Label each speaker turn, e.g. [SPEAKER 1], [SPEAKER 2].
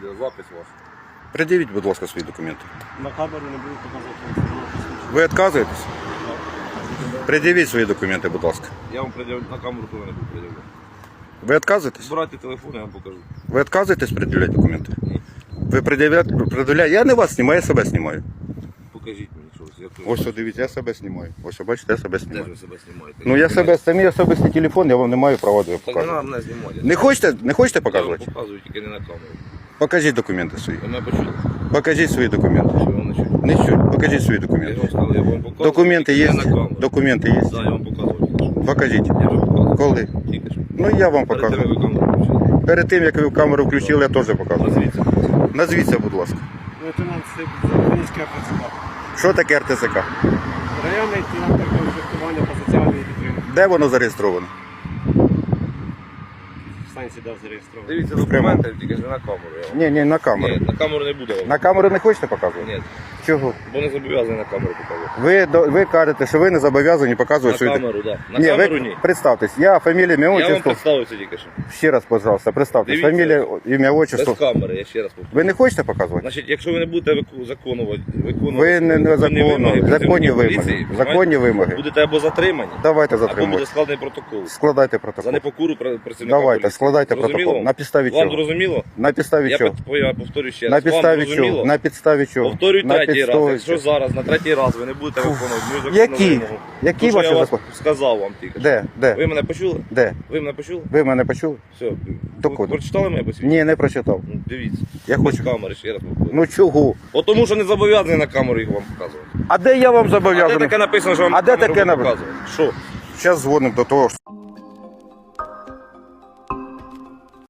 [SPEAKER 1] відеозапис ваш.
[SPEAKER 2] Пред'явіть, будь ласка, свої документи.
[SPEAKER 3] На камеру не буду показувати.
[SPEAKER 2] Ви відказуєтесь? Пред'явіть свої документи, будь ласка.
[SPEAKER 1] Я вам на камеру теж не буду пред'являти.
[SPEAKER 2] Ви відказуєтесь?
[SPEAKER 1] Збирайте телефон, я вам покажу.
[SPEAKER 2] Ви відказуєтесь пред'являти документи?
[SPEAKER 1] Ні.
[SPEAKER 2] Ви пред'являєте? Я не вас знімаю, я себе знімаю.
[SPEAKER 1] Покажіть мені щось.
[SPEAKER 2] Ось, дивіться, я себе знімаю. Ось, бачите, я себе
[SPEAKER 1] Де ж
[SPEAKER 2] знімаю.
[SPEAKER 1] ви себе знімаєте?
[SPEAKER 2] Ну я себе, самі особистий телефон, я вам не маю права
[SPEAKER 1] Так не
[SPEAKER 2] показувати.
[SPEAKER 1] треба мене знімати.
[SPEAKER 2] Не хочете
[SPEAKER 1] Я вам
[SPEAKER 2] показувати?
[SPEAKER 1] показую, тільки не на камеру.
[SPEAKER 2] Покажіть документи свої.
[SPEAKER 1] Ви мене почули?
[SPEAKER 2] Покажіть свої документи.
[SPEAKER 1] Чи вам не чуть?
[SPEAKER 2] Не чуть. Покажіть свої
[SPEAKER 1] Я
[SPEAKER 2] документи.
[SPEAKER 1] вам сказав, я вам показую.
[SPEAKER 2] Документи
[SPEAKER 1] тільки
[SPEAKER 2] є?
[SPEAKER 1] не на камеру.
[SPEAKER 2] Документи є?
[SPEAKER 1] Так, я вам показував тільки що.
[SPEAKER 2] Покажіть.
[SPEAKER 1] Я вже показував.
[SPEAKER 2] Коли?
[SPEAKER 1] Тільки що.
[SPEAKER 2] Ну я вам
[SPEAKER 1] Перед тим, як
[SPEAKER 2] показую.
[SPEAKER 1] ви камеру включили.
[SPEAKER 2] Перед тим, як ви камеру включили, я теж показую.
[SPEAKER 1] Назвіться.
[SPEAKER 2] Назвіться, будь ласка.
[SPEAKER 3] Лейтенант Запорізьке РТЦК.
[SPEAKER 2] Що таке РТЦК?
[SPEAKER 3] Районний центр конфліктування та соціальної підтримки.
[SPEAKER 2] Де воно зареєстровано?
[SPEAKER 3] В станції дав зареєстрований.
[SPEAKER 1] Дивіться документи, тільки ж не на камеру. Я вам.
[SPEAKER 2] Ні, на камеру.
[SPEAKER 1] Ні, на камеру не буду.
[SPEAKER 2] На камеру не хочете показувати?
[SPEAKER 1] Ні,
[SPEAKER 2] Чого?
[SPEAKER 1] бо не зобов'язаний на камеру показувати.
[SPEAKER 2] Ви кажете, що ви не зобов'язані показувати
[SPEAKER 1] На
[SPEAKER 2] свої
[SPEAKER 1] камеру, так. На
[SPEAKER 2] Ні,
[SPEAKER 1] камеру
[SPEAKER 2] ви
[SPEAKER 1] ні.
[SPEAKER 2] представтесь. Я фамілія, ім'я,
[SPEAKER 1] Я вам
[SPEAKER 2] отчество.
[SPEAKER 1] представився тільки що.
[SPEAKER 2] Ще раз, пожалуйста, представтесь.
[SPEAKER 1] Дивіться.
[SPEAKER 2] Фамілія, ім'я,
[SPEAKER 1] Без
[SPEAKER 2] отчество.
[SPEAKER 1] камери, я ще раз повторю.
[SPEAKER 2] Ви не хочете показувати?
[SPEAKER 1] Значить, якщо ви не будете виконувати
[SPEAKER 2] Ви не законно. Законні вимоги.
[SPEAKER 1] поліції,
[SPEAKER 2] Законні вимоги.
[SPEAKER 1] будете або затримані,
[SPEAKER 2] Давайте
[SPEAKER 1] або буде
[SPEAKER 2] затримуйте.
[SPEAKER 1] складений протокол.
[SPEAKER 2] Складайте
[SPEAKER 1] За
[SPEAKER 2] протокол.
[SPEAKER 1] непокору працівника
[SPEAKER 2] Давайте,
[SPEAKER 1] поліції.
[SPEAKER 2] складайте
[SPEAKER 1] Зрозуміло
[SPEAKER 2] протокол.
[SPEAKER 1] вам?
[SPEAKER 2] На підставі
[SPEAKER 1] Вам
[SPEAKER 2] чого?
[SPEAKER 1] зрозуміло?
[SPEAKER 2] На підставі
[SPEAKER 1] Я
[SPEAKER 2] чого?
[SPEAKER 1] повторю ще
[SPEAKER 2] На
[SPEAKER 1] раз. Вам
[SPEAKER 2] підставі
[SPEAKER 1] зрозуміло?
[SPEAKER 2] чого? На підставі чого?
[SPEAKER 1] Повторюю
[SPEAKER 2] На
[SPEAKER 1] третій раз.
[SPEAKER 2] підставі
[SPEAKER 1] Якщо
[SPEAKER 2] чого?
[SPEAKER 1] зараз, на третій раз ви не будете виконувати мою законну
[SPEAKER 2] Які?
[SPEAKER 1] вимогу.
[SPEAKER 2] Які
[SPEAKER 1] То, що
[SPEAKER 2] ваші
[SPEAKER 1] я вас
[SPEAKER 2] закони?
[SPEAKER 1] сказав вам тільки. що.
[SPEAKER 2] Де? Де?
[SPEAKER 1] Ви мене почули?
[SPEAKER 2] Де?
[SPEAKER 1] Ви мене почули?
[SPEAKER 2] Ви мене почули?
[SPEAKER 1] Все.
[SPEAKER 2] Докуди?
[SPEAKER 1] Прочитали моє посвідчення?
[SPEAKER 2] Ні, не прочитав.
[SPEAKER 1] Ну, дивіться.
[SPEAKER 2] Я
[SPEAKER 1] Без
[SPEAKER 2] хочу.
[SPEAKER 1] камери, ще раз повторюю.
[SPEAKER 2] Ну чого?
[SPEAKER 1] От тому, що не зобов'язаний на камеру їх вам показувати.
[SPEAKER 2] А де я вам
[SPEAKER 1] А де
[SPEAKER 2] зобов'язаний?
[SPEAKER 1] таке написано, що вам
[SPEAKER 2] А де
[SPEAKER 1] камеру
[SPEAKER 2] таке
[SPEAKER 1] показувати? Що?
[SPEAKER 2] Зараз дзвонимо до того.